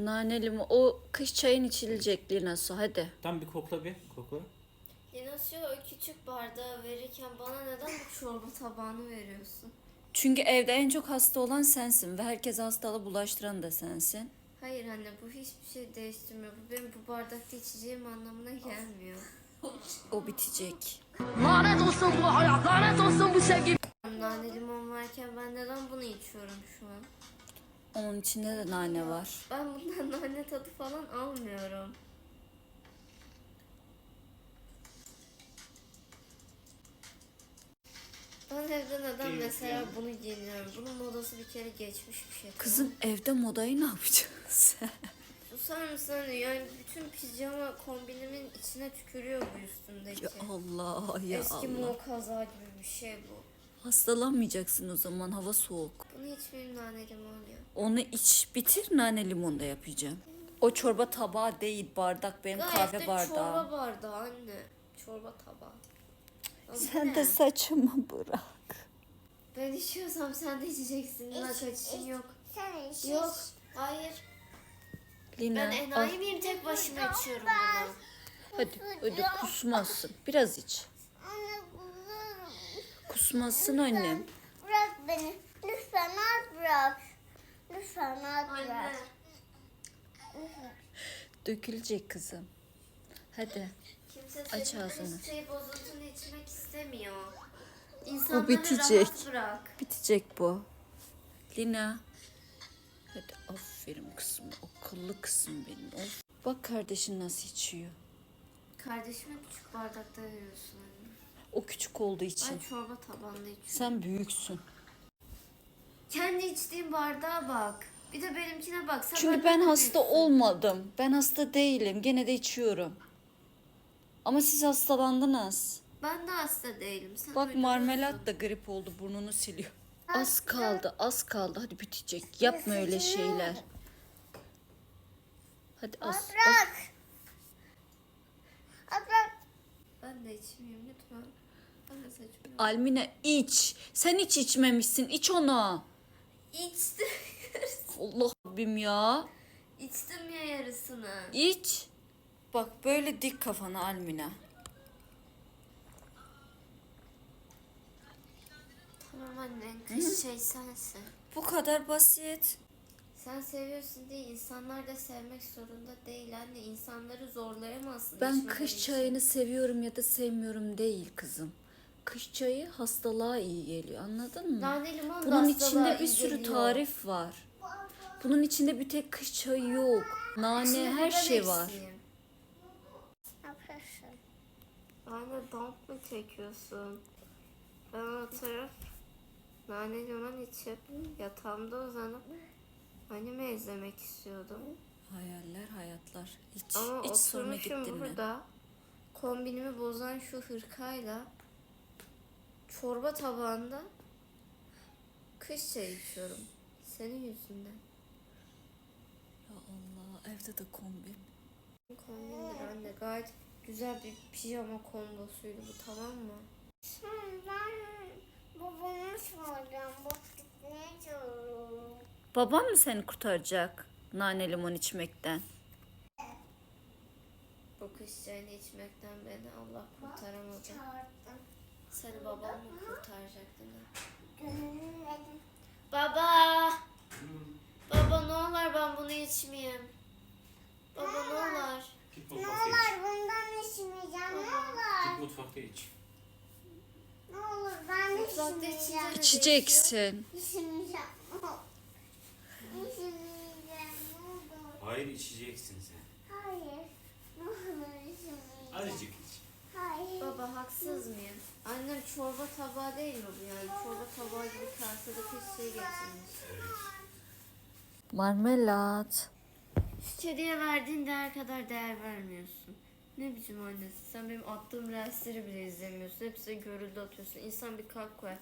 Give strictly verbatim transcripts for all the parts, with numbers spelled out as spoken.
Naneli mi? O kış çayın içilecek Linasu, hadi. Tam bir kokla bir koku. Linasya o küçük bardağı verirken bana neden bu çorba tabağını veriyorsun? Çünkü evde en çok hasta olan sensin ve herkese hastalığı bulaştıran da sensin. Hayır anne, bu hiçbir şey değiştirmiyor. Bu benim bu bardakta içeceğim anlamına gelmiyor. O bitecek. Lanet olsun bu hayat, lanet olsun bu sevgi. Nane limon varken ben neden bunu içiyorum şu an? Onun içinde de nane var. Ben bundan nane tadı falan almıyorum. Ben evde neden Değil, mesela yani. bunu giyiniyorum? Bunun modası bir kere geçmiş bir şey. Kızım evde modayı ne yapacaksın sen? Susar mısın anne? Yani bütün pijama kombinimin içine tükürüyor bu üstümdeki. Ya Allah ya Eski Allah. mor kaza gibi bir şey bu. Hastalanmayacaksın o zaman, hava soğuk. Bunu içmeyeyim, nane limon ya. Onu iç bitir, nane limon da yapacağım. O çorba tabağı değil, bardak, benim Gayet kahve de bardağım. çorba bardağı anne. Çorba tabağı. Ama bu Sen ne? de saçımı bırak. Ben içiyorsam sen de içeceksin. Lina kaçışın yok. Sen iç. Yok. Hayır. Lina Ben al. enayi miyim, tek başıma içiyorum bunu. Hadi hadi kusmazsın. Biraz iç. Anne bulurum. Kusmazsın annem. Bırak beni. Lütfen az bırak. Lütfen az Anne. bırak. Dökülecek kızım. Hadi. Kimse Aç senin ağzını. şey bozulduğunu içmek istemiyor. Bu İnsanları bitecek. rahat bırak. Bitecek bu. Lina. Hadi aferin kızım. Akıllı kızım benim. Of. Bak kardeşin nasıl içiyor. Kardeşime küçük bardakta veriyorsun anne. O küçük olduğu için. Ben çorba tabağında içiyorum. Sen büyüksün. Kendi içtiğin bardağa bak. Bir de benimkine bak. Sen Çünkü benden ben de hasta büyüksün. olmadım. Ben hasta değilim. Gene de içiyorum. Ama siz hastalandınız. Ben de hasta değilim. Sen Bak öyle marmelat diyorsun. da grip oldu, burnunu siliyor. Az kaldı, az kaldı. Hadi bitecek. Yapma öyle şeyler. Hadi az, az. Bırak. Az bırak. Ben de içmeyeyim lütfen. Ben de saçmalıyım. Almina iç. Sen hiç içmemişsin. İç onu. İçtim. Allah Rabbim ya. İçtim ya yarısını. İç. Bak böyle dik kafana Almina. Tamam anne, kız şey sensin. Bu kadar basit. Sen seviyorsun diye insanlar da sevmek zorunda değil anne. İnsanları zorlayamazsın. Ben içmeleri kış için. çayını seviyorum ya da sevmiyorum değil kızım. Kış çayı hastalığa iyi geliyor, anladın mı? Nane limon da Bunun hastalığa içinde bir iyi sürü geliyor. tarif var. Bunun içinde bir tek kış çayı yok. Nane, İçinde her biber şey var. eksiğim. Ne yapıyorsun? Anne damp mı çekiyorsun? Ben oturup nane limon içip yatağımda uzanıp anime izlemek istiyordum. Hayaller, hayatlar. İç, Ama iç sonra oturmuşum gittin mi? burada kombinimi bozan şu hırkayla çorba tabağında kış çayı içiyorum. Senin yüzünden. Ya Allah, evde de kombin. Kombindir anne. Gayet güzel bir pijama kombosuydu bu, tamam mı? Sen ben babamı soracağım. Bak ne diyorum. Babam mı seni kurtaracak nane limon içmekten? Bu kış çayını içmekten beni Allah kurtaramadı. Çağırdım. Seni babam mı kurtaracaktı ne? Gönülledim. Baba! Baba ne olur ben bunu içmeyeyim. Baba ne olur. Git Ne mutfakta iç. olur bundan içmeyeceğim. Ne olur. Git mutfakta iç. Ne olur ben de Mutfakta içmeyeceğim. içince ne değişiyor? İçeceksin. İçmeyeceğim. İçmeyeceğim. Ne olur. Hayır içeceksin sen. Hayır. Ne olur içmeyeceğim. Azıcık iç. Hayır. Baba haksız mıyım? Annem çorba tabağı değil mi bu yani? Çorba tabağı gibi kasede kış şey getirmiş. Marmelat. Şu kediye verdiğin değer kadar değer vermiyorsun. Ne biçim annesin? Sen benim attığım reelsleri bile izlemiyorsun. Hepsini görüldü atıyorsun. İnsan bir kalp koyar.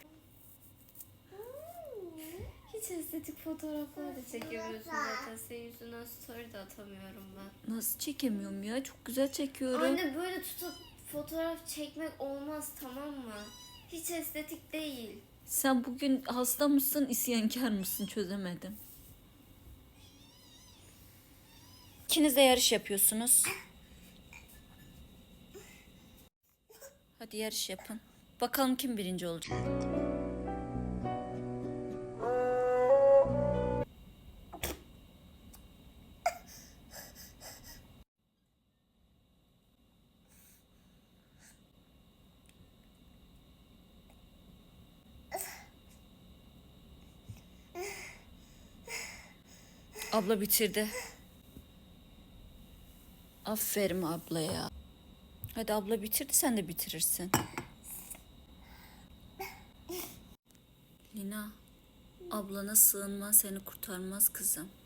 Hiç estetik fotoğraflar da çekemiyorsun zaten. Senin yüzünden story de atamıyorum ben. Nasıl çekemiyorum ya? Çok güzel çekiyorum. Anne böyle tutup fotoğraf çekmek olmaz, tamam mı? Hiç estetik değil. Sen bugün hasta mısın, isyankar mısın, çözemedim. İkiniz de yarış yapıyorsunuz. Hadi yarış yapın. Bakalım kim birinci olacak. Abla bitirdi. Aferin ablaya. Hadi abla bitirdi, sen de bitirirsin. Lina, ablana sığınman seni kurtarmaz kızım.